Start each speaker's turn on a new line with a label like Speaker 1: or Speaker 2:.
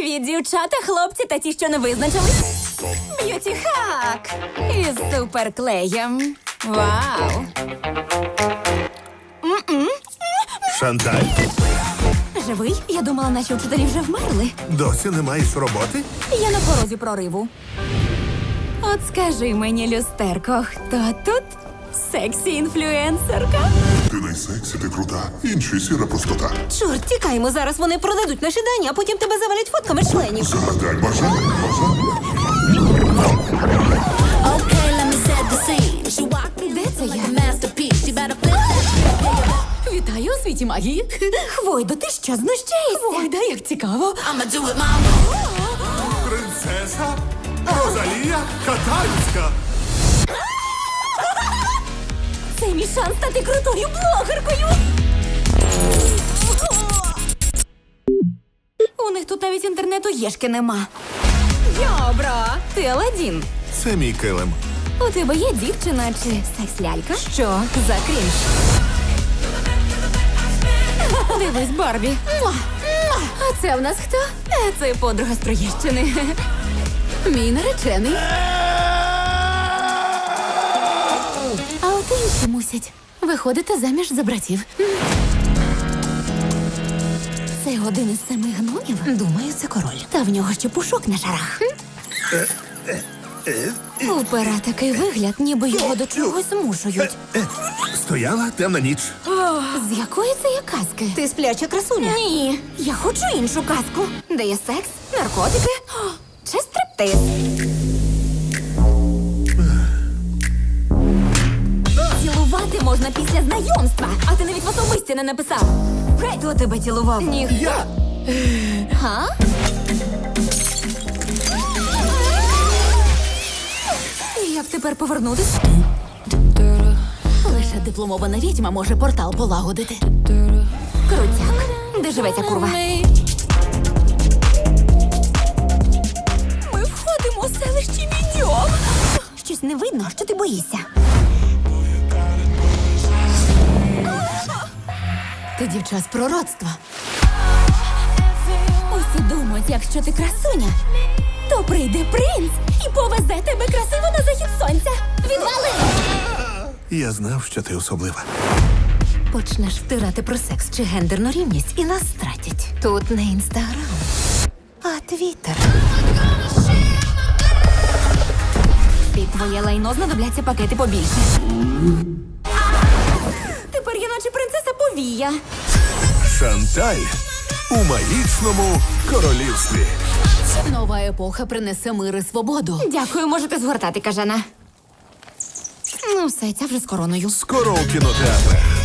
Speaker 1: Привіт, дівчата, хлопці та ті, що не визначились. Б'юті-хак із суперклеєм. Вау!
Speaker 2: Шанталь,
Speaker 1: Живий? Я думала, наші вчителі вже вмерли.
Speaker 2: досі не маєш роботи?
Speaker 1: Я на порозі прориву. От скажи мені, люстерко, хто тут сексі-інфлюенсерка?
Speaker 3: Ти найсексі, ти крута. Інші сіра простота.
Speaker 1: Чорт, тікаймо, зараз вони продадуть наші дані, а потім тебе завалять фотками членів.
Speaker 3: Загадай бажання.
Speaker 4: Okay, let me set the scene. She walked in
Speaker 1: Де це
Speaker 4: like
Speaker 1: я?
Speaker 4: a masterpiece. She better flip that.
Speaker 1: Вітаю у світі магії. Хвойдо, ти що, знущаєшся? Хвойда, як цікаво.
Speaker 4: I'ma do it my way.
Speaker 2: Принцеса Розалія Катальська.
Speaker 1: Це мій шанс стати крутою блогеркою. У них тут навіть інтернету єшки нема. Йобро, ти Аладдін.
Speaker 2: Це мій килим.
Speaker 1: У тебе є дівчина чи секс-лялька? Що за крінж? Дивись, Барбі. Муа! Муа! А це в нас хто? Це подруга з Троєщини. Мій наречений. А от інші мусять виходити заміж за братів. Це один із 7 гномів? Думаю, це король. Та в нього ще пушок на шарах. У пера такий вигляд, ніби його до чогось змушують.
Speaker 2: Стояла темна ніч.
Speaker 1: З якої це є казки? Ти спляча красуня? Ні, я хочу іншу казку. Де є секс, наркотики чи стриптиз. Цілувати можна після знайомства, а ти навіть в особисті не написав. Хто тебе цілував? Ніхто.
Speaker 2: Я?
Speaker 1: Га? Як тепер повернутись? Лише дипломована відьма може портал полагодити. Крутяк. Де живе ця курва? Ми входимо у селище Відьом. Щось не видно, що ти боїшся. Ти дівча з пророцтва. Усі думають, якщо ти красуня, то прийде принц і повезе тебе красиво на захід сонця. Відвали!
Speaker 2: Я знав, що ти особлива.
Speaker 1: Почнеш втирати про секс чи гендерну рівність і нас стратять. Тут не інстаграм, а твіттер. Під твоє лайно знадобляться пакети побільше. Тепер я наче принцеса повія.
Speaker 2: Шанталь у магічному королівстві.
Speaker 1: Нова епоха принесе мир і свободу. Дякую, можете згортати, кажана. Ну все, ця вже з короною.
Speaker 2: Скоро у кінотеатрах.